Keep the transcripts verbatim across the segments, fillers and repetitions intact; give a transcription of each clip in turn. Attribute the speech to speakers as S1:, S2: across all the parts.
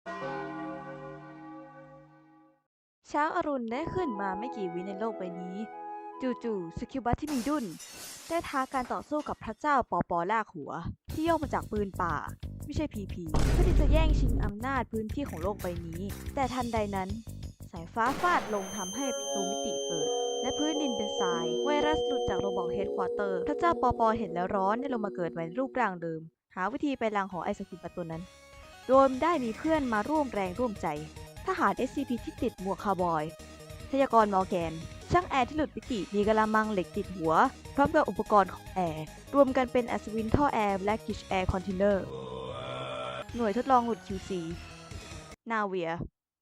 S1: เช้าอรุณได้ขึ้นมาไม่กี่วิในโลกใบนี้จู่ๆสกิลบัสที่มีดุลได้ท้าการต่อสู้กับพระเจ้าปอปอลากหัวที่ย่อมาจากปืนป่าไม่ใช่พีพีเพื่อที่จะแย่งชิงอำนาจพื้นที่ของโลกใบนี้แต่ทันใดนั้นสายฟ้าฟาดลงทำให้ประตูมิติเปิดและพื้นดินเป็นทรายไวรัสหลุดจากโรบอกเฮดควอเตอร์พระเจ้าปอปอเห็นแล้วร้อนได้ลงมาเกิดใหม่ในรูปร่างเดิมหาวิธีไปลังของไอศกรีมประตูนั้นโดยได้มีเพื่อนมาร่วมแรงร่วมใจทหาร เอส ซี พี ที่ติดหมวกคาวบอยพยากรณ์มอร์แกนช่างแอร์ที่หลุดมิติมีกะละมังเหล็กติดหัวพร้อมกับอุปกรณ์ของแอร์รวมกันเป็นอัศวินท่อแอร์และกิชแอร์คอนเทนเนอร์หน่วยทดลองหลุด คิว ซี นาเวีย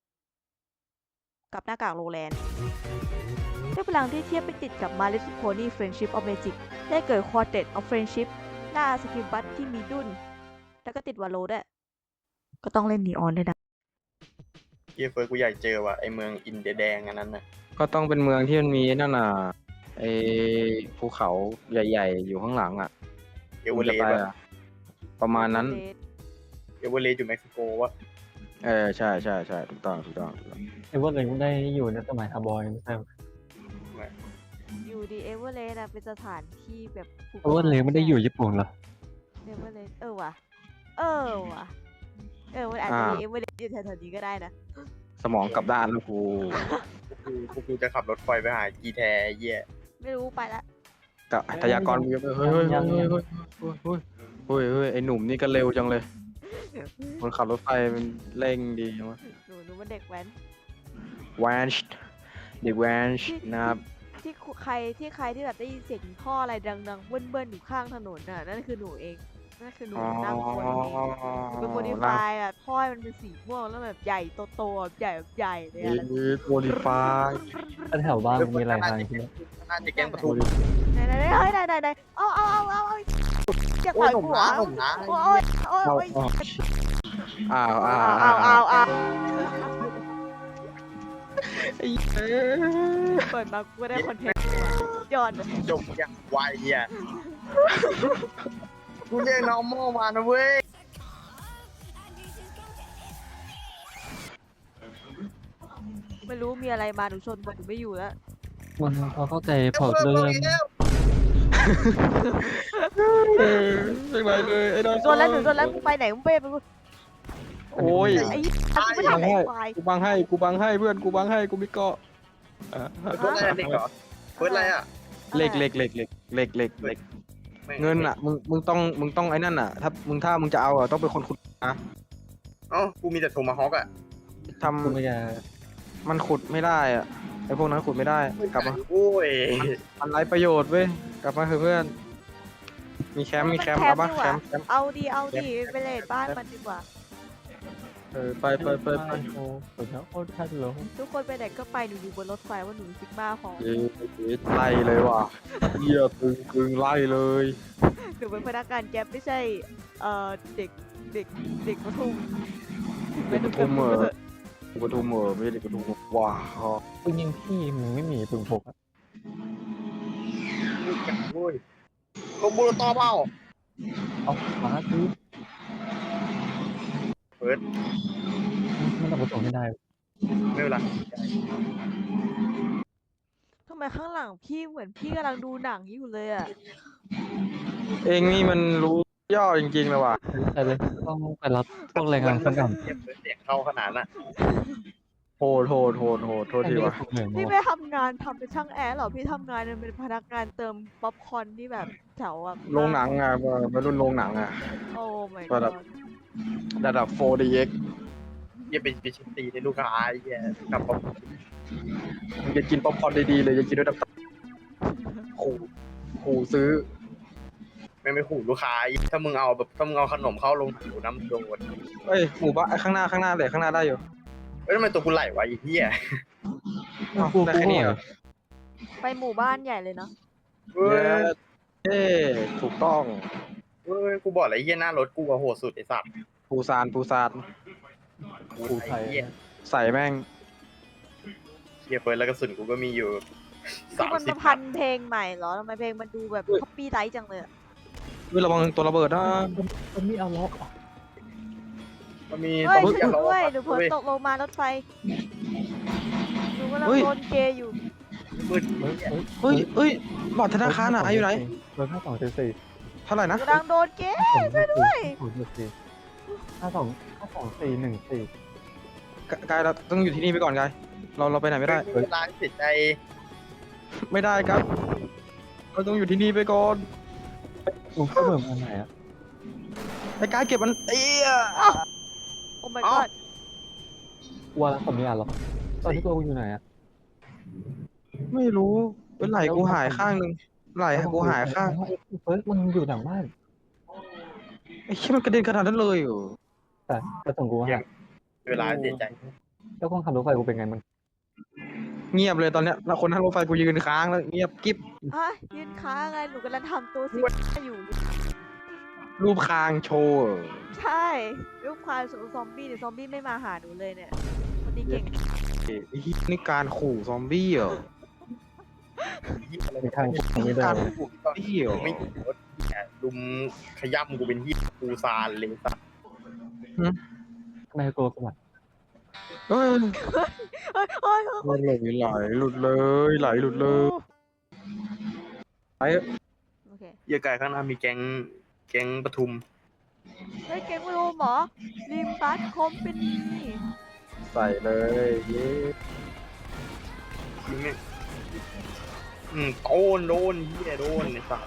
S1: กับหน้ากากโรแลนด์ด้วยพลังที่เทียบไปติดกับมาเลสิโพนี่เฟรนชิพออฟเมจิกได้เกิดควอเต็ดออฟเฟรนชิพล่าสกิลบัตที่มีดุนแล้วก็ติดวาโลด้วยก็ต้องเล่นนีออนด้วยนะ
S2: เฮียเฟิร์สกูอยากเจอว่ะไอเมืองอินเดียแดงอันนั้นน่ะ
S3: ก็ต้องเป็นเมืองที่มันมีนั่นน่ะไอภูเขาใหญ่ๆอยู่ข้างหลังอ่ะ
S2: เอเวอเรสต์
S3: ไป
S2: ว่ะ
S3: อะประมาณนั้น
S2: เอเวอเรสต์อยู่เม็กซิโกวะ
S3: เออใช่ใช่ใช่ถูกต้องถูกต้องถูกต้อง
S4: ไอ้พวกเลยได้อยู่ในสมัยคาร์บอยไม่ใช่เหรอ
S1: อยู่ดีเอเวอเรสต์เป็นสถานที่แบบภู
S4: ไอ้พวกเลยไม่ได้อยู่ญี่ปุ่นเหรอ
S1: เอเวอเรสต์เออว่ะเออว่ะเออมันอาจจะมีเอเวอเรสต์อยู่แถวๆนี้ก็ได้นะ
S3: สมองกลับด้านแล้วกู
S2: กูกูกูจะขับรถไฟไปหากีแทเหี้ย
S1: ไม่รู้ไปละ
S3: กับทยากรวิวเฮ้ยเฮ้ยเฮ้ยเฮ้ยเฮ้ยเฮ้ยเฮ้ยเฮ้ยไอหนุ่มนี่ก็เร็วจังเลยคนขับรถไฟมันเร่งดีจังวะ
S1: หนูหนูมันเด็กแว้น
S3: แวนช์เด็กแวนช์นะครับ
S1: ที่ใครที่ใครที่แบบได้ยินเสียงท่ออะไรดังๆเบิ้ลๆอยู่ข้างถนนน่ะนั่นคือหนูเองนั่นคือหนู
S3: อ๋อ
S1: นั่งคนเป็นโมดิฟายอ่ะท่อมันเป็นสีม่วงแล้วแบบใหญ่โตๆแบบใหญ่แบบใหญ่เลยอ่ะ
S3: โมดิฟาย
S4: ถ้าแถวบ้านมันมีอะไรทางที่นี่
S2: น่าจะแกล้งประตู
S1: ไหนไหนไหนเฮ้ยไหนไหนไหนเอาเอาเอาเอาเอาอยาก
S2: โอ้
S1: ปล่
S2: ย
S1: อย
S2: หนุ่ม
S1: หัว
S2: นะหนุ่มนะ
S1: โอ้ยโอ้ยโอ้ย
S3: อ้าวอ้าว
S1: เอา
S3: อ้า
S1: เอา
S3: ว
S1: เอาเอา
S3: ไอ้เอ้ย
S1: เปิดมากูได้คอนเทนต์ยอดเลย
S2: จบอย่างไวอ่ะกูเรียกน้องโมมานะเว้ย
S1: ไม่รู้มีอะไรมาหนูชนหมดหนูไม่อยู่แล้ว
S4: มันพอเข้าใจพอเรื่อง
S3: เออเป็นไรเลยไอ้ดอน
S1: ชนแล้วหนูชนแล้วมึงไปไหนมึงไปมึง
S3: โอ้ย
S1: ไอ้กูไม่ทำไอ้ควาย
S3: กูบังให้กูบังให้เพื่อนกูบังให้กูมีเกาะอ่ะ
S2: เฟิร์สอะไรเด็กเหรอเฟิร์สอะไรอ่ะ
S3: เหล็กเหล็กเหล็กเหล็กเหล็กเหล็กเหล็กเงินอ่ะมึงมึงต้องมึงต้องไอ้นั่นอ่ะถ้ามึงถ้ามึงจะเอาอ่ะต้องเป็นคนขุดนะ
S2: เอ้ากูมีแต่โทมาฮอกอ่ะ
S3: ทำ
S4: กูไม่จะ
S3: มันขุดไม่ได้อ่ะไอ้พวกนั้นขุดไม่ได้กลับมา
S2: โอ้ย
S3: มันไร้ประโยชน์เว้ยกลับมาเถอะเพื่อนมีแคมป์มีแคมป์เอาปะแคมป์แคมป์
S1: เอาดีเอาดีไปเลดบ้านมันดีกว่า
S3: เออไปไปไปไป
S4: โอ้โหแล้วโอ้ท่านหลง
S1: ทุกคนไปไหนก็ไปหนูอยู่บนรถไฟว่าหนูซิกมาพอ
S3: เย้ไล่เลยว่ะเหี้ยตึงตึงไล่เลย
S1: หนูเป็นพนักงานแก๊ปไม่ใช่เอ่อเด็กเด็กเด็กปทุม
S3: เด็กปทุมเหรอ เด็กปทุมเหรอไม่ใช่เด็กปทุมว้าว
S4: ปืนยิงพี่มึงไม่มีปืนพกอะ
S2: โอ้ยลงบูรตอเปล่า
S4: เอามาคือ
S2: เฟิร์ส
S4: มันเอาไปส่งไม่ได้
S2: ไม่เป็นไร
S1: ทำไมข้างหลังพี่เหมือนพี่กำลังดูหนังอยู่เลยอ่ะ
S3: เองนี่มันรู้ย่อจริงๆเลยว่ะ
S4: แต่เลยต้องไปรับพวกแรงงานขั้นต่ำ
S2: เสียงเฟิร์สเสียงเข้าขนาดน่ะ
S3: โหดโหดโหดโหดโทษที
S4: นี่ก็
S3: ว่ะ
S4: ถูกเหนื่อย
S1: พี่
S4: มาก
S1: ไม่ทำงานทำเป็นช่างแอร์หรอพี่ทำงานเป็นพนักงานเติมป๊อปคอร์นที่แบบแถวแบบ
S3: โรงหนังอ่ะวัยรุ่นโรงหนังอ่ะ
S1: โอ้ my
S3: ระดั
S1: god
S3: บ ระดับ โฟร์ ดี เอ็กซ์
S2: อย่าไปไปชิมตีในลูกค้าไอ้เหี้ยกลับมา
S3: มึงจะกินป๊อปคอร์นดีๆเลยจะกินด้วยน้ำตาขู่ขู่ซื้อ
S2: ไม่ไม่ขู่ลูกค้าไอ้ถ้ามึงเอาแบบถ้ามึงเอาขนมเข้าลงหูน้ำโดน
S3: เอ้ยหมู่บ้านไอ้ข้างหน้าข้างหน้าเลยข้างหน้าได้อยู่
S2: เอ้ยทำไมตัวกูไหลวะไอ้เหี้ย
S3: อ้าว
S4: กู
S3: ได้
S4: กู
S3: แค่นี้เหรอ
S1: ไปหมู่บ้านใหญ่เลยเนาะ
S2: เฮ้ย
S3: เอ้ถูกต้อง
S2: เฮ้ยกูบอกเลยไอ้เหี้ยหน้ารถกูอะโหดสุดไอ้สัตว์
S3: ปูซานปูซาน
S4: กูไทย
S2: ไอ้เหี้ย
S3: ใส่แม่ง
S2: เหี้ยเฟิร์สแล้วกระสุนกูก็มีอยู่
S1: คือ
S2: สาม
S1: มัน
S2: สิบ
S1: มาพันเพลงใหม่เหรอทำไมเพลงมันดูแบบคัปปี้ไลท์จังเลยอะ
S3: เฮ้ยระวังตัวระเบิดนะ
S4: มันไม่เอาล็อก
S2: มันมี
S1: เฮ้ย
S2: ตรง
S1: ช่วย
S2: ที่
S1: หนู
S2: เรา
S1: ด้วย
S2: วัด
S1: หนูเผลอ
S2: เว้ย
S1: ตกลงมารถไฟ หนูกำลัง
S3: เฮ้ย
S1: โดนเกย์อยู่
S2: มืด
S4: เฮ้ยเฮ้ย
S3: เฮ้ยเฮ้ยบัตรธนาคารอ่ะอยู่ไหน
S4: เบอร์ห้าสองเจ็ดสี่
S3: เท่าไหร่นะ
S1: กำลังโดนเกย์
S4: ช่วยด้วยศูนย์เจ็ดสี่ห้าสองห้าสองสี่หนึ่งสี่
S3: กกายเราต้องอยู่ที่นี่ไปก่อนกายเราเราไปไหนไม่ได้
S2: เวลาเสียใจ
S3: ไม่ได้ครับ เราต้องอยู่ที่นี่ไปก่อน
S4: ลุงก็เบอร์มาไหนอ่ะ
S3: ไอ้กายเก็บมันเอี้ย
S1: โอ้ my
S3: เอ้า
S1: god
S4: วัวแล้วผมไม่อ่านหรอกตอนที่ตัวกูอยู่ไหนอ่ะ
S3: ไม่รู้เป็นไหลกูหายข้างหนึ่งไหลกูหายข้าง
S4: เฟิร์สมันอยู่หลังบ้าน
S3: ไอ้เชี่ยมันกระเด็นขนาดนั้นเลยเหรอ
S4: แต่แต่ส่งกูหา
S2: เวลาเสียใจ
S4: แล้วคนขับรถไฟกูเป็นไงมึง
S3: เงียบเลยตอนเนี้ยแล้วคนนั่งรถไฟกูยืนค้างแล้วเงียบกิ๊บ
S1: ฮะยืนค้างไง หนูกำลังทำตัวซิอยู่
S3: รูปคางโชว์
S1: ใช่รูปควายสูงซอมบี้เนี่ยซอมบี้ไม่มาหาหนูเลยเนี่ยคนนี้เก่ง
S3: ไอ้เหี้ยนี่การขู่ซอมบี้เหรอ
S4: ในทางกูไม่ได้
S3: การขู่ซอมบี้เหรอ
S2: ไม่รถเนี่ยลุมขย้ำกูเป็นที่กูซานเลยสัตว์
S4: ทำไมกลัวกูอ่ะ
S3: เอ้ย
S1: เฮ้ยเฮ้ยเฮ้ย
S3: ไหลไหลหลุดเลยไหลหลุดเลยไปเถอะ
S1: โอเค
S2: เหี้ยไก่ข้างหน้ามีแก๊งแก๊งปทุม
S1: เฮ้ยเก่งไม่รู้หมอลิมบัสคอมเป็นนี
S3: ใส่เลยเย้
S2: ยิงเนี่ยอืมโดนโดนเหี้ยโดนไอ้สัตว์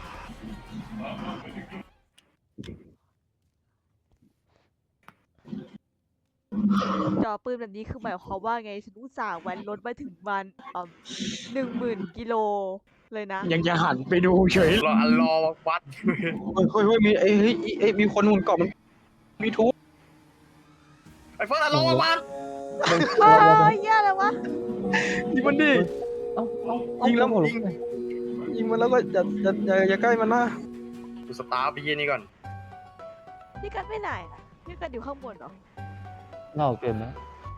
S1: จอปืนแบบนี้คือหมายความว่าไงฉันอุตส่าห์แว้นรถมาถึงวันอ่าหนึ่งหมื่นกิโลเลยนะ
S3: ยังจะหันไปดูเฉย
S2: รอรอวัด
S3: เฮ้ยเฮ้ยเฮ้ยมีเอ้ยเฮ้ยเอ้ยมีคนหุ่นเกาะมันมีทุบ
S2: ไอ้เฟิร์สรอวัด
S1: เฮ้ยเหี้ยอะไรวะ
S3: ยิงมันดิ
S4: เอ้าเอ้าเอ้า
S3: ยิงแล้ว
S4: หัวรถ
S3: ยิง
S4: ไฟ
S3: ยิงมันแล้วก็อย่าอย่าอย่าอย่าใกล้มันนะ
S2: กูสตาร์ทไปเยี่ยนี่ก่อน
S1: พี่กันไปไหนอะพี่กันอยู่ข้างบนเหรอ
S4: นอกเกมนะ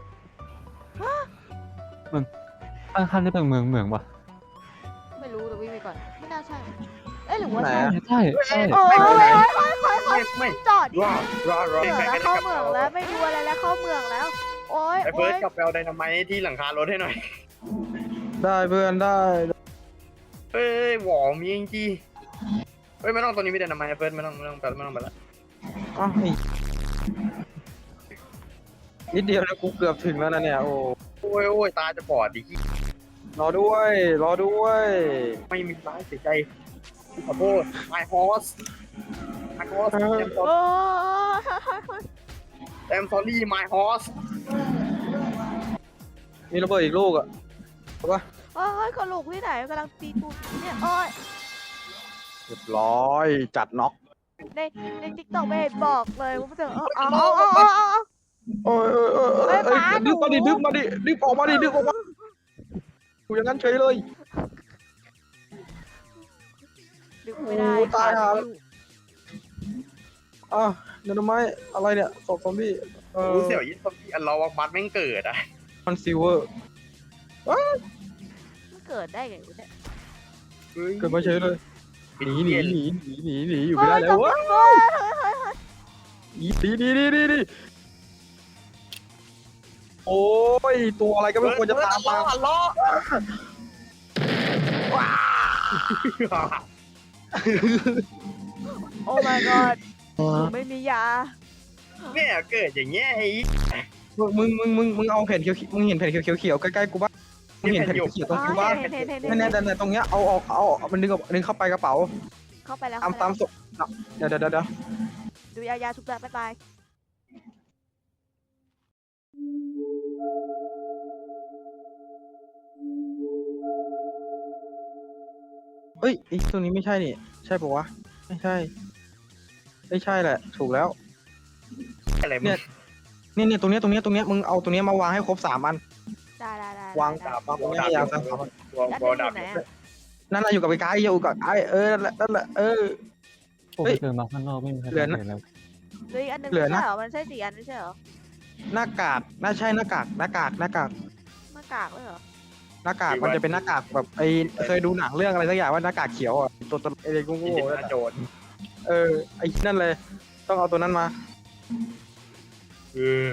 S4: มึงข้างๆนี่เป็นเมืองเมืองปะ
S1: ไม่รู้แต่วิ่งไปก่อน ไม่น่าใช่ เอ้ยหรือว่า
S3: ไหน
S1: ใช่
S3: อะ
S4: ใช่ใช่
S1: โอ้ย
S2: ไม่
S1: เฮ้ย
S2: ไม่
S1: เฮ้ยเฮ้ยเฮ้ย
S2: ไม่ไม่
S1: จอดดิ
S2: รอรอรอ
S1: เมือง
S2: ไก่
S1: แล้ว
S2: ก็ได้
S1: เข้าก เมืองแล้วไม่ดูอะไรแล้วเข้าเมืองแล้ว โอ้ย
S2: ไอ้
S1: โอ้
S2: เฟิร์ส
S1: ย
S2: กลับไปเอาไดนาไมต์ที่หลังคารถให้หน่อย
S3: ได้เพื่อนได้
S2: เฮ้ยหวอมีจริงๆเฮ้ยไม่ต้องตัวนี้ไม่ได้ไดนาไมต์เฟิร์สไม่ต้องไม่ต้องไปไม่ต้องไปละ
S3: อ้าวนี่นิดเดียวนะกูเกือบถึงแล้วนะเนี่ยโอ้
S2: โอ้ยโอ้ยตาจะบอดดิ
S3: รอด้วย รอด้วย
S2: ไม่มีร้ายเสียใจขอโทษ my horse my horse I'm
S1: โอ้
S2: sorry
S1: ย
S2: I'm sorry my horse
S3: มีระเบิดอีกลูกอ่ะถูกปะ
S1: โอ้ยกระโหลกที่ไหนกำลังตีตูดอยู่เนี่ยโอ้ย
S3: เรียบร้อยจัดน็อก
S1: ในในติ๊กต็อกไม่เห็นบอกเลยว่ามันจะเอาเอาเอาเอาเอาเอา
S3: โอ้ยโอ้ยโอ้ยโอ้ย
S1: เฮ้ย
S3: เอ้ย
S1: หมาหนู
S3: ดึบมาดิดึบมาดิดึบออกมาดิดึบออกมาอยู่อย่างนั้นเฉยเลย
S1: ดึงไม่ได้
S3: โอ้ตายห่า
S1: อยู่
S3: อ่ะเนนไม้อะไรเนี่ยศพซอมบี้เออ
S2: รู้เสี่ยวยิ่งซอมบี้อันรอวักบัตแม่งเกิดอ่ะ
S3: มันซิลเวอร์
S1: มันเกิดได้ไงวะเนี่ย
S3: เกิดมาเฉยเลยหนีหนีหนีหนีหนีหนีอยู่
S1: เฮ้
S3: ไม่
S1: ย
S3: ได้แล้วเว้ย
S1: เฮ้ยเฮ้ยเฮ้ยเฮ้ย
S3: หนีหนีหนีหนีหนีโอ้ยตัวอะไรก็ไม่ควรจะตามมา
S2: อันรอว้า
S1: โอ้ my god หนูไม่มียา
S2: เนี่ยเกิดอย่างเงี้ยไอ้
S3: มึงมึงมึงมึงเอาแผ่นเขียวมึงเห็นแผ่นเขียวเขียวใกล้ๆกูบ้างมึงเห็นแผ่นเขียวตรง
S1: อ๋อ
S3: กูบ้าง
S1: เห็นเห็นเห็นเห็น
S3: แน่ๆแต่ตรงเนี้ยเอาออกเอามันดึงดึงเข้าไปกระเป๋า
S1: เข้าไปแล้ว
S3: ตามตามศพเดี๋ยวเดี๋ยวเดี๋ยว
S1: ดูยายาชุบแล้วบ๊ายบาย
S3: เฮ้ยไอ้ตรงนี้ไม่ใช่นี่ใช่ปะวะไม่ใช่ไม่ใช่แหละ ถูกแล้ว
S2: อะไรมึ
S3: เนี่
S2: ง
S3: ย เนี่ยเนี่ยตรงเนี้ยตรงเนี้ยตรงเนี้ยมึงเอาตรงเนี้ยมาวางให้ครบสามอัน
S1: ได้ได้ได้
S3: วาง
S1: ได้
S3: วางตรงเนี้ยให้ยาวสามอัน
S2: ตัว
S1: แล้ว
S2: ตัว
S1: ดูอ
S2: ดับ
S1: ยู่ไหนอะ
S3: นั่นน่ะอยู่กับไอ้กายอยู่กับไอ้เออนั่นแหละนั่นแหละเออ
S4: ผม
S3: เฮ้
S4: ไป
S3: ย
S4: เจอมาข้างนอกไม่มีใคร
S3: เหลือนะ
S4: เห็นแล้ว
S1: เหลืออีกอันหนึง
S3: เหลื
S1: ไม่
S3: อ
S1: ใช่
S3: นะ
S1: เหรอ มันใช่สี่อันไม่ใช่เหรอ
S3: หน้ากากน่าใช่หน้ากากหน้ากากหน้ากาก
S1: หน้ากากเลยเหรอ
S3: หน้ากากมันจะเป็นหน้ากากแบบไอ้เคยดูหนังเรื่องอะไรสักอย่างว่าหน้ากากเขียวอ่ะตัวตัวไอ้โง่
S2: อิน
S3: ๆ
S2: เดีย
S3: นั่น
S2: นา
S3: อะ
S2: โจน
S3: เออไอ้นั่นเลย ต้องเอาตัวนั้นมา
S2: เออ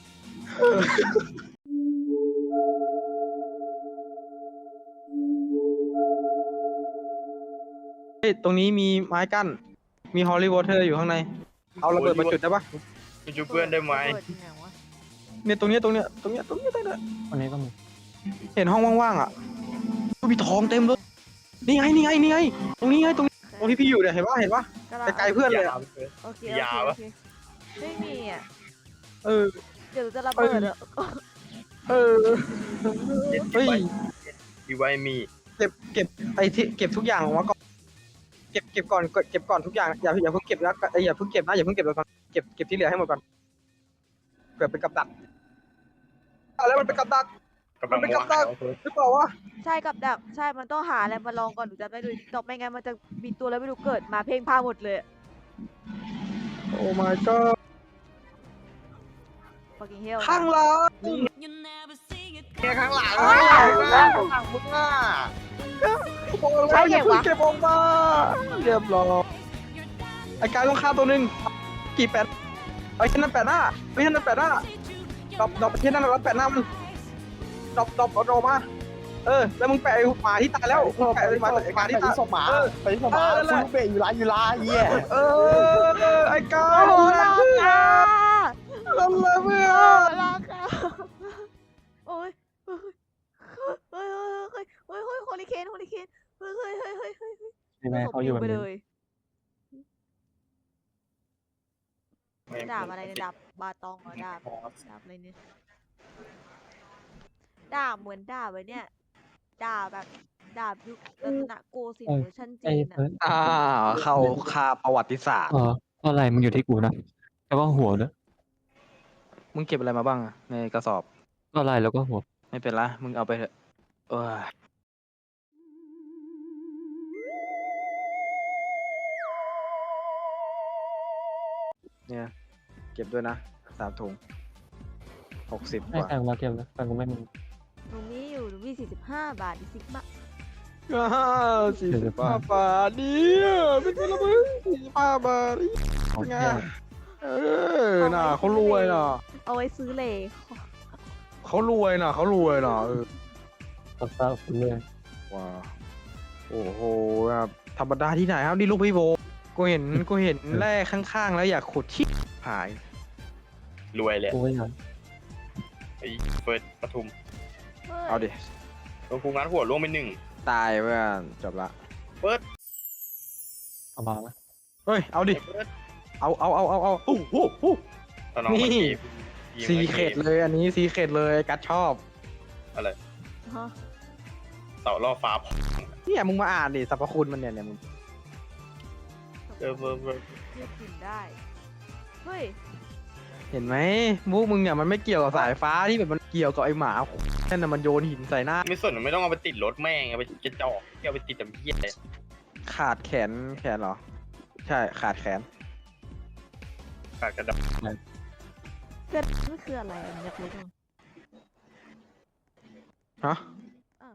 S3: เฮ้ยตรงนี้มีไม้กั้นมีฮอลลีวอเตอร์อยู่ข้างในเอาระเบิดมาจุดได้ปะ
S2: ไปจูเพื่อนได้ไหม
S1: เปิดยังไงวะ
S3: เนี่ยตรงเนี้ยตรงเนี้ยตรงเนี้ยตรงเนี้ยตรงเนี้ย
S4: วันนี้ก็มี
S3: เห็นห้องว่างๆอ่ะมีทองเต็มเลยนี่ไงนี่ไงนี่ไงตรงนี้ไงตรงตรงที่พี่อยู่เนี่ยเห็นปะเห็นปะ
S1: กำลัง
S3: ไกลๆเพื่อนเลยอะ
S1: โอเค
S2: ยา
S1: โอ
S2: วะ
S1: เคโอเคไม่มีอ่ะ
S3: เออ
S1: เดี๋ยวจะระเบิดอ่ะ
S3: เออเฮ้ย
S2: ดีไว้มี
S3: เก็บเก็บไอ้ที่เก็บทุกอย่างออกมาก่อนเก็บเก็บก่อนเก็บก่อนทุกอย่างอย่าอย่าเพิ่งเก็บนะเอ้ยอย่าเพิ่งเก็บนะอย่าเพิ่งเก็บไปก่อนเก็บเก็บที่เหลือให้หมดก่อนเกิดเป็นกับดักอะไรมันเป็นกับดัก
S2: กำลัง
S3: มันเป็น
S2: ม
S3: กับดั
S2: าก
S3: หรือเปล่าวะ
S1: ใช่กับดักใช่มันต้องหาอะไรมาลองก่อนหนูจะไม่ดูตอกไม่งั้นมันจะมีตัวแล้วไม่รู้เกิดมาเพ่งพ่านหมดเลย
S3: โอ้ my god
S1: fucking hell
S3: ข้างหลัง
S2: เนี่ยข้างหลังข้างหลังข้างหลังมึงอ่ะ
S3: บอกแล้วอย่าเพิ่งเก็บออกมาเรียบร้อยไอ้กายต้องฆ่าตัวหนึ่งกี่แปดไอ้เช่นนั้นแปดหน้าไอ้เช่นนั้นแปดหน้าดรอปดรอปเช่นนั้นแล้วแปดหน้ามันดรอปดรอปเอาดรอปมาเออแล้วมึงแปะไอ้หมาที่ตายแล้วแปะไอ้หมาไอ้หมาที่ตาย
S5: ศพหมาไปที่ศพหมาคุณลูกเบะอยู่ร้านอยู่ร้านเหี้ย
S3: เออไอ้กาย
S1: โอ้โหลากา
S3: นั่นแหละเพื่อ
S1: โอ้
S3: น
S1: ลากาโอ้ยเฮ้ยเฮ้ยเฮ้ยเฮ้ยเฮ้ยเฮ้ยโฮลิเคนโฮลิเคนเฮ้ยเฮ้ยเฮ้ยเฮ้ยเฮ้ย
S4: ใช่ไหมเขาอยู่
S1: ไป
S4: แบบ
S1: เล
S4: นี้
S1: ยดาบอะไรเนี่ยดาบบาตองเหรอดาบดาบอะไรเนี่ยดาบเหมือนดาบไว้เนี่ยดาบแบบดาบยุครัตนโกสินทร์เวอร์ชัน
S4: ไอ้
S1: จีนอะ
S4: เฟิร์ส
S3: อ่าเข้าคาประวัติศาสตร์
S4: เอออะไรมึงอยู่ที่กูนะแต่ว่าหัวเนี่ย
S3: มึงเก็บอะไรมาบ้างอะในกระสอบ
S4: ก็อะไรแล้วก็หัว
S3: ไม่เป็นไรมึงเอาไปเถอะเออเนี่ยเก็บด้วยนะสามถุงหกสิบก
S4: ให้
S3: ว่า
S4: แฟนมาเก็บนะแฟนกูไม่มี
S1: หนูมีอยู่หนูมีสี่สิบห้าบาทดิซิกมา
S3: สี่สิบห้าบาทเนี่ยเป็นไงละมึงสี่สิบห้าบาทนี่
S4: โอ
S3: เป็น
S4: เค
S3: ไงเออน่ะเขารวยน่ะ
S1: เอาไว้ซื้อเลย
S3: เขารวยน่ะเขารวยน่ะเออ
S4: ตัดเศร้าคุณเลย
S3: ว้าโอ้โหแบบธรรมดาที่ไหนครับนี่ลูกพี่โบกูเห็นกูเห็นแร่ข้างๆแล้วอยากขุดชิบหาย
S2: รวยเลย
S4: กูไม่อยาก
S2: ไอ้เฟิร์สปทุม
S3: เอาดิ
S2: โดนกูงัดหัวล่วงไปหนึ่ง
S3: ตายเพื่อนจบละ
S2: เฟิร์ส
S4: เอามาไหม
S3: เฮ้ยเอาดิ
S2: เฟิร์ส
S3: เอาเอาเอาเอาเอาโอ้โห
S2: ตอนน้องมา
S3: นี่
S2: เก็บยิง
S3: ซี
S2: มา
S3: เข
S2: ก็
S3: ต
S2: บ
S3: เลยอันนี้ซีเขตเลยกัดชอบ
S2: อะไร
S1: ฮะ
S2: เต่าล่อฟ้า
S3: เนี่ยมึงมาอ่านดิสรรพคุณมันเนี่ยเนี่ยมึง
S2: เออเฟิร์สเฟิร์ส
S1: เรียกกินได้ เฮ้ย
S3: เห็นไหมมุกมึงเนี่ยมันไม่เกี่ยวกับสายฟ้าที่แบบมันเกี่ยวกับไอหมานั่นน่ะมันโยนหินใส่หน้า
S2: ไม่สนไม่ต้องเอาไปติดรถแม่งเอาไปกระจอกเอาไปติดแต่เพี้ยเลย
S3: ขาดแขนแขนเหรอ ใช่ขาดแขน
S2: ขาดกระดาษ
S1: เกิดนี่คืออะไรอะอยากรู้จัง
S3: ฮะ
S1: อ่ะ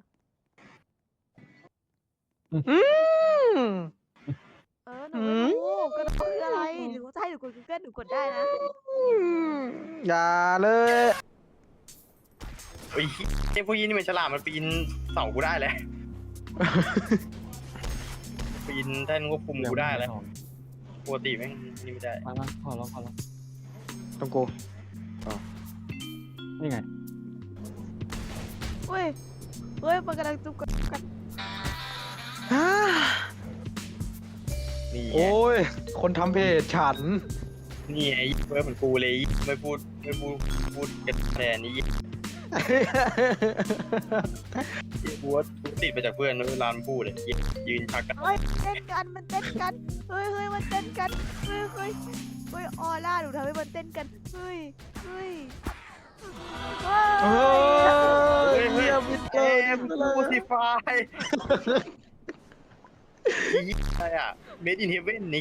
S3: อืม
S1: เออหนูไม่รู้ก็คืออะไรหรือว่าจะให้หนูกด Google หนูกดได้นะ
S3: อย่าเลย
S2: ไอ้ไอ้พวกยี่นี่มันฉลาดมันปีนเสากูได้แล้วปีนแท่นควบคุมกูได้แล้วปกติแม่งนี่ไม่ได้
S4: มามาขอร้องขอร้อง
S3: ต้องกู
S4: นี่ไง
S1: เฮ้ย เฮ้ย มันกำลังจุกกัน
S2: นี่ไง
S3: โอ้ย คนทำเพจฉัน
S2: นี่ไอ้เฟิร์สเหมือนกูเลยไม่พูดไม่พูดพูดกันแทนนี่กูว่ากูติดไปจากเพื่อนเวลามันพูดเลยยืนชักกัน
S1: เฮ้ย เต้นกัน มันเต้นกัน เฮ้ยเฮ้ยมันเต้นกัน เฮ้ยเฮ้ยเฮ้ยออร่าหนูทำให้มันเต้นกัน เฮ้ย เฮ้ย
S3: เฮ้ย
S2: เฮ้ย
S3: เฮียมิดเก
S2: เอ็
S3: ม
S2: มกูสิฟายอะไรอ่ะ Made in Heaven นี้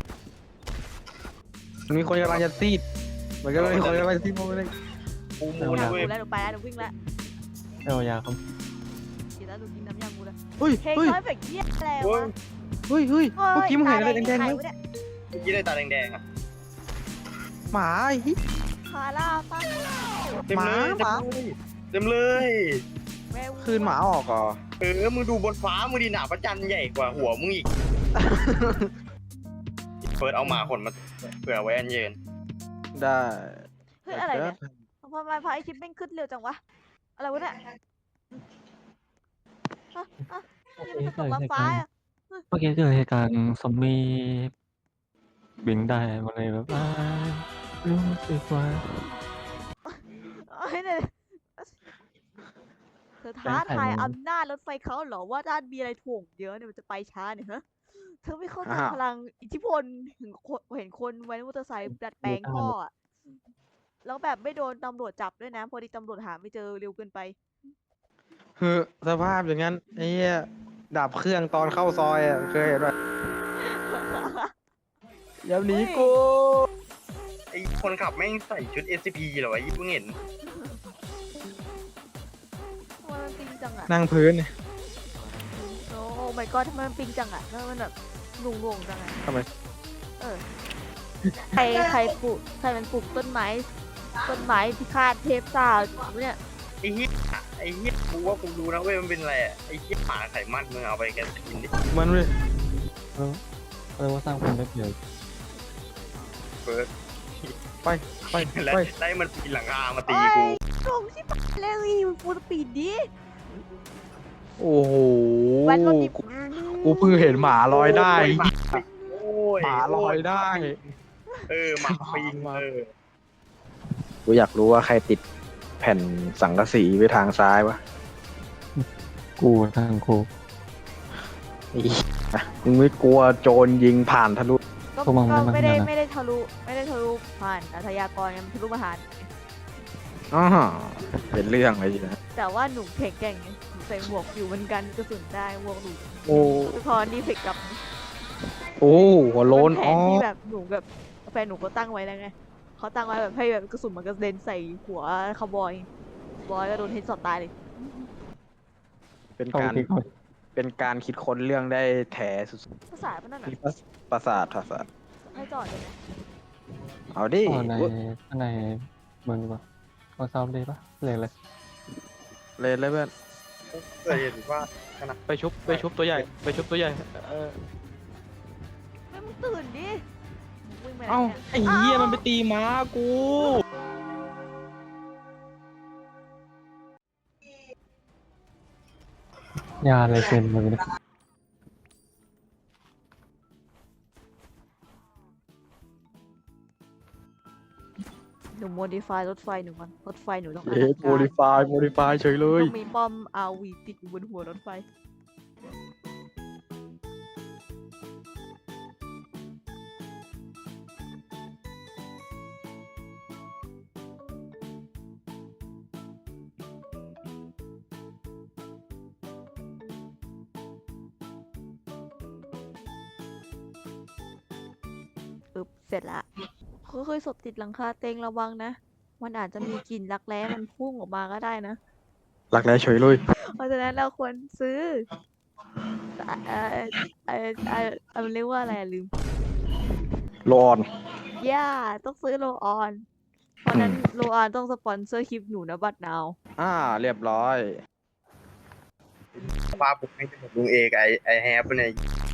S3: มีคนกำลังจะซีดเหมือนกันเลยมีคนกำลังจะซีดโมเลย
S2: ปูมู
S1: หนู
S2: นะเว้ย
S1: แล้วหนูไปแล้วหนูวิ่งแล้ว
S4: เอายาเขา
S1: กินแล้วหนูกินน้ำยางูแล้ว
S3: เฮ้ย
S1: เพลง
S3: เฮ้ย
S1: น้อยแบบเยี่ยอะไร
S2: เฮ้
S1: วะ
S2: ย
S3: เฮ้ยเฮ้ยเมื่อกี้มึงเห็นอะไรแดงๆไหม
S1: วะเนี่ย
S2: เมื่อกี้ได้ตาแดงๆอ่ะ
S3: หมาไอ้เหี้ย
S1: ใคาล่าตั้ง
S2: เต็ม
S3: หมา
S2: เลย
S3: หมา
S2: เต็มเลย
S1: แม่วัว
S3: คืนหมาออกเหรอ
S2: เออมึงดูบนฟ้ามึงดีหนาพระจันทร์ใหญ่กว่าหัวมึงอีกเฟิร์สเอาหมาขนมาเผื่อไว้อันเย็น
S3: ได้
S1: เฮ้ยอะไรเนี่ยทำไมพระไอชิปแม่งขึ้นเร็วจังวะอะไรวะเนี่ยอ่ะอ่ะนี่มันจะตกมาฟ้าอะ
S4: เมื่อกี้เกิดเหตุการณ์ซอมบี้บินได้มาเลยแบบว่ารู้สึกว่า
S1: เอ้ยเนี่ยเธอท้าทายอำนาจรถไฟเขาเหรอว่าด้านมีอะไรถ่วงเยอะเนี่ยมันจะไปช้าเนี่ยฮะเธอไม่เข้าใจพลังอิทธิพลเห็นคนเห็นคนไว้มอเตอร์ไซค์ดัดแปลงท่ออะแล้วแบบไม่โดนตำรวจจับด้วยนะพอดีตำรวจหาไม่เจอเร็วเกินไป
S3: คือสภาพอย่างนั้นไอ้เหี้ยดับเครื่องตอนเข้าซอยอ่ะเคยเห็นป่ะอย่าหนีกู
S2: ไอคนขับแม่งใส่ชุด เอส ซี พี เหรอวะยี่เพิ่งเห็น
S1: ทำไมมันปิงจังอะ
S3: นั่งพื้นเนี่ย
S1: โอ้ my god ทำไมมันปิงจังอะทำไมมันแบบหน่วงหน่วงๆจังอะ
S3: ทำไม
S1: เออใครใครปลูกใครมันปลูกต้นไม้ต้นไม้พิฆาตเทพซ่าเนี่ย
S2: ไอ้เหี้ยไอ้เหี้ยกูว่ากูรู้นะเว้ยมันเป็นอะไรอะไอ้เหี้ยหมาไขมันมึงเอาไปแกกินดิ
S3: มันเลย
S4: เออเรียกว่าสร้างความได้เปรียบ
S2: เฟิร์ส
S3: ไปไป
S2: แล้ว
S3: ไป
S2: ได้มันปีนหลังคามาตี
S1: โอ้
S2: กู
S1: ยลงชิบะเลยมันฟูลสปีดดิ
S3: โอ้โห
S1: แว้นรถดิ
S3: กูกูเพิ่งเห็นหมาลอยได้
S2: โหมาโอ้ย
S3: หมาลอยได้
S2: เออหมาปีนเออ
S3: กูอยากรู้ว่าใครติดแผ่นสังกะสีไว้ทางซ้ายวะ
S4: กูทางกู
S3: อีอ่ะมึงไม่กลัวโจรยิงผ่านทะลุ
S1: ก็
S4: พวกมึง
S1: ก็
S4: ไม่
S1: ไม่ได้
S4: มา
S1: ไม่ได้ทะลุไม่ได้ทะลุผ่านอาชญากรยังทะลุมาหาร
S3: อ๋อเป็นเรื่องเลยทีนะ
S1: แต่ว่าหนูแข็งแกร่งไงหนูใส่หมวกอยู่เหมือนกันกระสุนได้หมวกหนู
S3: โอ้
S1: สะท้อนดีเฟกต์กลับ
S3: โอ้หัวโลน
S1: เป็นแผ
S3: อ๋อน
S1: ที่แบบหนูแบบแฟนหนูก็ตั้งไว้แล้วไงเขาตั้งไว้แบบให้แบบกระสุนมันกระเด็นใส่หัวคาวบอยบอยก็โดนเฮดช็อตตายเลย
S3: เป็น
S4: เข้า
S3: การ
S4: ที่เขา
S3: เป็นการคิดค้นเรื่องได้แถสุด
S1: ภาษาพนั่น
S3: ๆ
S1: น่ะ
S3: มีประสาทประสาท
S1: ให้จอดเลยไหม
S3: เอาดิ
S4: อ๋อในในเมืองดีกว่าเอาซ้อมดีปะเลยเลย
S3: เลยเลยเพื่อน
S2: เคยเห็นว่า
S3: ไปชุบไปชุบตัวใหญ่ไปชุบตัวใหญ่เออ
S1: ไม่มึงตื่นดิวิ่งไปไหน
S3: เอ้า
S1: เนี่ย
S3: ไอ้เหี้ยมันไปตีม้ากู
S4: ยาอะไรเซ็นมือเนี่ย
S1: หนูโมดิฟายรถไฟหนูมันรถไฟหนูต้อง
S3: เย้โมดิฟายโมดิฟายเฉยเลย
S1: ต้องมีป้อมอาวีติดอยู่บนหัวรถไฟ อึบเสร็จละเคยๆศพติดหลังคาเต็งระวังนะ มันอาจจะมีกลิ่นรักแร้มันพุ่งออกมาก็ได้นะ
S3: หลักแร้เฉยเลย
S1: เพราะฉะนั้นเราควรซื้อเอ่อเอ่อเอ่อเอ่อมันเรียกว่าอะไรอะลืม
S3: โลออน
S1: ย่าต้องซื้อโลออน เพราะฉะนั้นโลออนต้องสปอนเซอร์คลิปหนูนะบัตรนาว
S3: อ่าเรียบร้อย
S2: ปลาปุกไม่ใช่ลุงเอกไอไอแฮปเนี่ย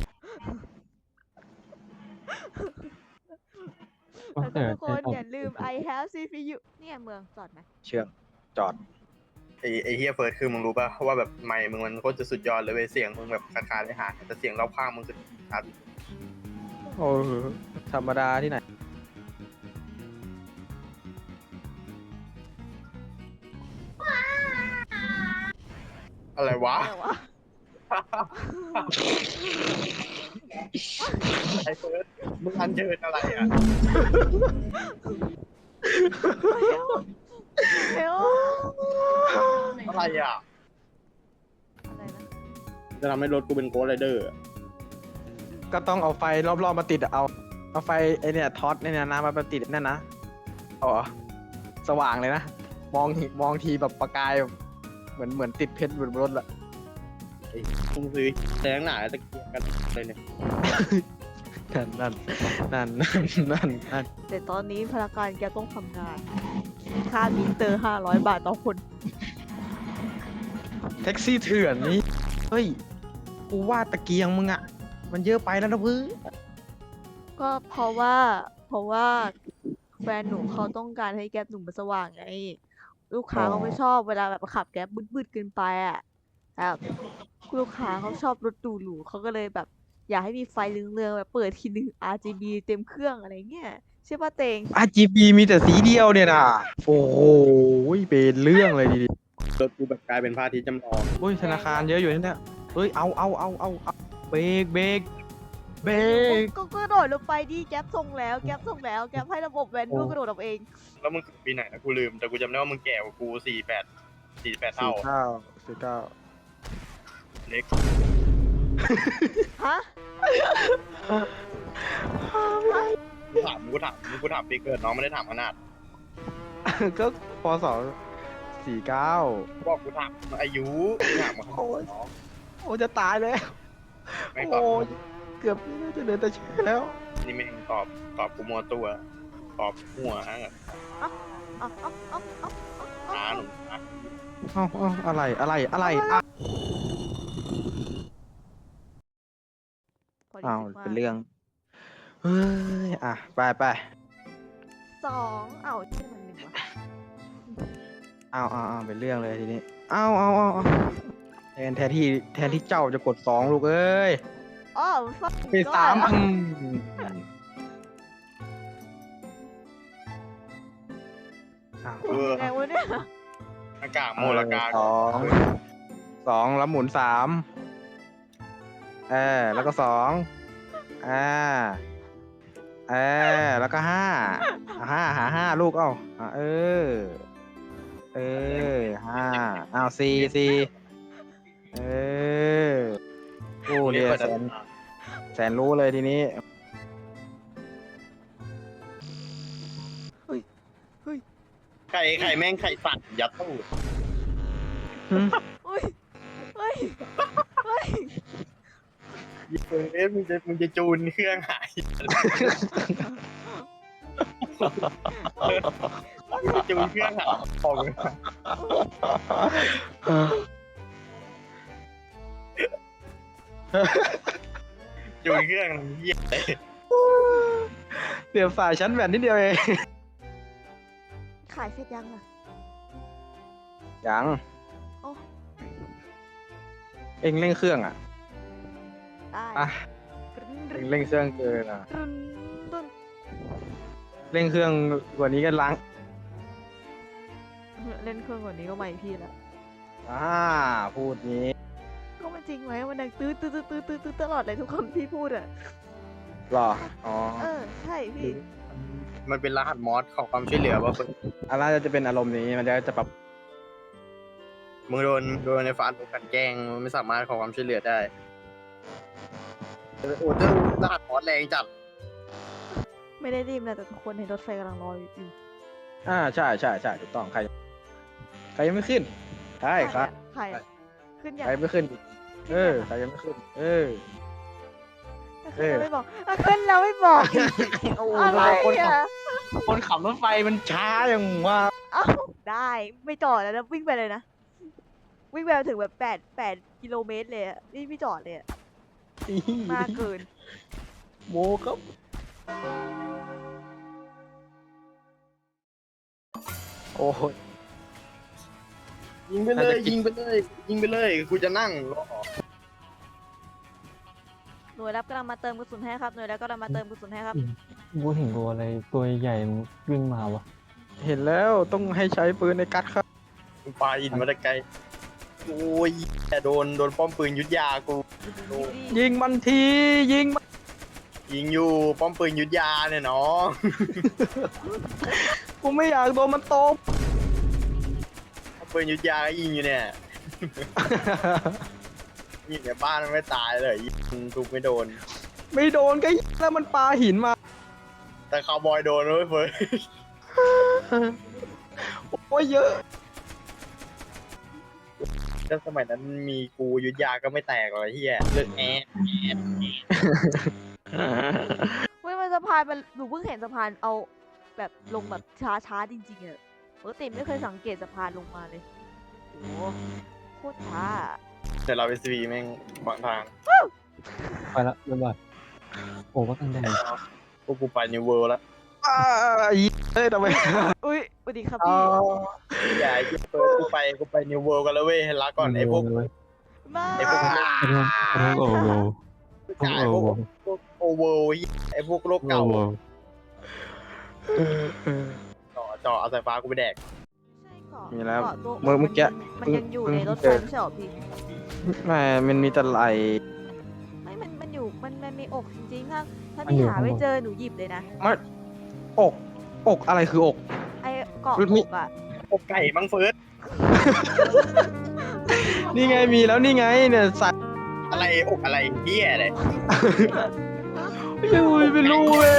S1: แล้วก็
S4: เออ
S1: ทุกคนอย่าลืม I have ซี พี ยู เนี่ยเมืองจอดไหม
S3: เชื่อมจอด
S2: ไอไอเฮียเฟิร์สคือมึงรู้ป่ะว่าแบบไมค์มึงมันโคตรจะสุดยอดเลยเว้ยเสียงมึงแบบคาคาได้หาแต่เสียงรอบข้างมึงคือชัด
S3: โอ้โหธรรมดาที่ไหน
S2: อะไรวะ
S1: แต่ว่า
S2: ไอเฟิร์สมึงอันเชิญอะไรอ่ะ
S1: เฮลเฮล
S2: อะไรอ่ะ
S1: อะไรนะ
S2: จะทำให้รถกูเป็นโกลไรเดอร์
S3: ก็ต้องเอาไฟรอบๆมาติดอะเอา เอาไฟไอเนี่ยท็อตเนี่ยนะมาติดนั่นนะอ๋อสว่างเลยนะ มองมองทีแบบประกายแบบเหมือนเหมือนติดเพชรบนรถละ
S2: มึงซื้อแสงหนาตะเกียบกันเลยเนี่ย
S3: นั่นนั่นนั่นนั่นนั่นนั่น
S1: แต่ตอนนี้พนักงานแกต้องทำงานค่ามิเตอร์ห้าร้อยบาทต่อคน
S3: แท็กซี่เถื่อนนี่เฮ้ยกูว่าตะเกียงมึงอะมันเยอะไปแล้วนะเพื่อน
S1: ก็เพราะว่า เพราะว่าแฟนหนูเขาต้องการให้แก๊ปหนูมันสว่างไง ลูกค้าเขาไม่ชอบเวลาแบบขับแก๊ปบึดๆเกินไปอ่ะแบบลูกค้าเขาชอบรถหรูๆเขาก็เลยแบบ อยากให้มีไฟเรืองๆแบบเปิดทีนึง อาร์ จี บี เต็มเครื่องอะไรเงี้ยใช่ป่ะเตง
S3: อาร์จีบีมีแต่สีเดียวเนี่ยนะโอ้โหเป็นเรื่องเลยดี
S2: รถกูแบบกลายเป็นพระอาทิตย์จำลอง
S3: ๆโอ้ยธนาคารเยอะอยู่นี่เนี่ยเฮ้ยเอาเอาเอาเอาเอาเบรกเบรกเบรก
S1: ก็กระโดดลงไปดิแก๊ปส่งแล้วแก๊ปส่งแล้วแก๊ปให้ระบบแวนดูกระโดดออกเอง
S2: แล้วมึงเกิดปีไหนนะกูลืมแต่กูจำได้ว่ามึงแก่กว่ากูสี่แปดสี่แปด
S3: สี่
S2: เท่า
S3: เก้าสี่เก้า
S2: เล็ก
S1: ฮะ
S2: กูถามกูถามกูถามปีเกิดน้องไม่ได้ถามขนาด
S3: ก็พศสี่เก้า
S2: บอกกูถามอายุกูถามมา
S3: โอ้ย
S2: น้อง
S3: โอ้จะตายแล้ว
S2: ไม่ตอบ
S3: โอ้ยเกือบจะเหลือแต่เชื่อแล้ว
S2: นี่ไม่ตอบตอบกูมัวตัวตอบหัวฮะ
S1: เอ้าเอ้าเอ้าเอ้าเอ้า
S2: หา
S1: เอ้า
S2: หนุ่มนะ
S3: เอ้าเอ้าอะไรอะไรอะไรอ่ะ
S1: พอดี
S3: อ้าว
S1: สึกว่า
S3: เป็นเรื่องเฮ้ยอ่ะไปไป
S1: สองเอ้าที่มันหนึ่งวะ
S3: เอาเอาเอาเป็นเรื่องเลยทีนี้เอาเอาเอาเอาแทนแทนที่แทนที่เจ้าจะกดสองลูกเอ้ย
S1: อ๋อฟัก
S3: เป็นสามอืมอ้าว
S2: เออ
S1: ยังไงวะเนี่ย
S2: อากาศโมลกา
S3: สองสองแล้วหมุนสามเออแล้วก็สองอ่าเออแล้วก็ห้าอ่ะห้าหาห้าลูกเอ้าอ่ะเออ เออห้าอ้าวสี่สี่เออโอ้เดี๋ยวแสนแสนรู้เลยทีนี้
S2: ไข่ไข่แม่งไข่สัตว์ยัดตู้
S1: อุ้ยเฮ้ยเฮ้ย
S2: เอ๊ะมึงจะมึงจะจูนเครื่องหายจูนเครื่องหายออกเลยจูนเครื่องเยี่ยเลย
S3: เดี๋ยวสายชั้นแหวนนิดเดียวเอง
S1: ขายเสร็จยังอ่ะ
S3: ยัง
S1: โอ้
S3: เอ็งเร่งเครื่องอ่ะ
S1: ได้
S3: อ่ะ
S1: กรึ๊น
S3: เอ็งเร่งเครื่องเกินอ่ะ
S1: กรึ๊นกรึ๊น
S3: เร่งเครื่องกว่านี้ก็ล้าง
S1: เล่นเครื่องกว่านี้ก็ไม่พี่ละ
S3: อ่าพูดนี้
S1: ก็มันจริงไหมมันดังตื้อตื้อตื้อตื้อตื้อตื้อตลอดเลยทุกคำที่พูดอ่ะ
S3: หรออ๋อ
S1: เออใช่พี่
S2: มันเป็นรหัสมอสของความช่วยเหลือว่าคน
S3: อะไรจะเป็นอารมณ์นี้มันจะจะปรับ
S2: มึงโดนโดนในฟ้าถูกกันแกล้งมันไม่สามารถขอความช่วยเหลือได้โอ้เจ้ารหัสมอสแรงจัด
S1: ไม่ได้รีบนะแต่ทุกคนในรถไฟกำลังรออยู่
S3: อ่าใช่ใช่ใช่ถูกต้องใคร ใครยังไม่ขึ้นใช่ครับ
S1: ใครอะขึ้นยัง
S3: ใครไม่ขึ้น เออใครยังไม่ขึ้น เออ
S1: ขึ้นแล้วไม่บอกอ่ะขึ้นแล้วไม่บอกอีก
S3: โอ้
S1: อะไร
S3: คนขับ
S1: อ่ะ
S3: คนขับรถไฟมันช้าอย่างว่า
S1: เอ้าได้ไม่จอดแล้วนะวิ่งไปเลยนะ วิ่งไปถึงแบบแปดแปดกิโลเมตรเลยอะนี่ไม่จอดเลยอะมากเกิน
S3: โมครับโอ้ย
S2: ยิงไปเลยยิงไปเลยยิงไปเลยกูจะนั่งรอ
S1: หน่วยรับกำลังมาเติมกระสุนให้ครับหน่วยรับกำลังมาเติมกระสุนให้ครับ
S4: กูเห็นตัวอะไรตัวใหญ่มันวิ่งมาวะ
S3: เห็นแล้วต้องให้ใช้ปืนในกัดครับ
S2: ปลาอินมาแต่ไกลโอ้ยแต่โดนโดนป้อมปืนยุทธยากู
S3: ยิงมันทียิงมัน
S2: ยิงอยู่ป้อมปืนยุทธยาเนี่ยน้อง
S3: กูไม่อยากโดนมันตบ
S2: ป้อมปืนยุทธยาก็ยิงอยู่เนี่ยยิงในบ้านมันไม่ตายเลยยิงทุกไม่โดน
S3: ไม่โดนก็ยิงแล้วมันปาหินมา
S2: แต่คาวบอยโดนเลยเฟิร์ส
S3: โอ้ยเยอะ
S2: ถ้าสมัยนั้นมีกูยุทธยาก็ไม่แตกหรอกไอ้เฮียเลือกแอดแอด
S1: เว้ยมันสะพานมันหนูเพิ่งเห็นสะพานเอาแบบลงแบบช้าช้าๆจริงๆอะปกติไม่เคยสังเกตสะพานลงมาเลยโอ้โคตรช้า
S2: แต่เราเอสวีแม่งขวางทาง
S4: ไปละบ๊ายบายโอ้ว่ากันแดง
S2: พวกกูไปนิวเวิลด์แล้ว
S3: อ้าเฮ้ยทำไม
S1: อุ้ยสวัสดีครับ
S3: อ๋อ
S1: พี่
S2: อย่าไอ้เหี้ยเฟิร์สกูไปกูไปนิวเวิลด์กันแล้วเว้ยลาก่อนไอ้พวก
S1: มา
S2: ไอ้พวก
S4: ไอ้พวกไอ้พวกโอโวพวก
S2: ไอ้
S4: โอ
S2: พวก
S4: โว
S2: พวกโอเวอร์ไอ้พวกโลก
S4: โอ
S2: เก่า
S4: โว
S2: จ่อจ่อเอาสายฟ้ากูไปแดก
S3: มีแล้ว
S1: เกาะตัว
S3: เมื่อเมื่อกี้
S1: มันยังอยู่ในรถไฟไม่ใช่หรอพี่
S3: ไม่มันมีแต่ไหล
S1: ไม่มันมันอยู่มันมันมีอกจริงๆค่ะถ้าพี่หาไม่เจอหนูหยิบเลยนะ
S3: อก อกอะไรคืออก
S1: ไอ้เกาะ
S3: มี
S1: อกอ่ะ
S2: อกไก่มังเฟิร์ส
S3: นี่ไงมีแล้วนี่ไงเนี่ยใส่
S2: อะไรอกอะไรเหี้ยอะไร
S3: ไม่รู้ไม่รู้เว้ย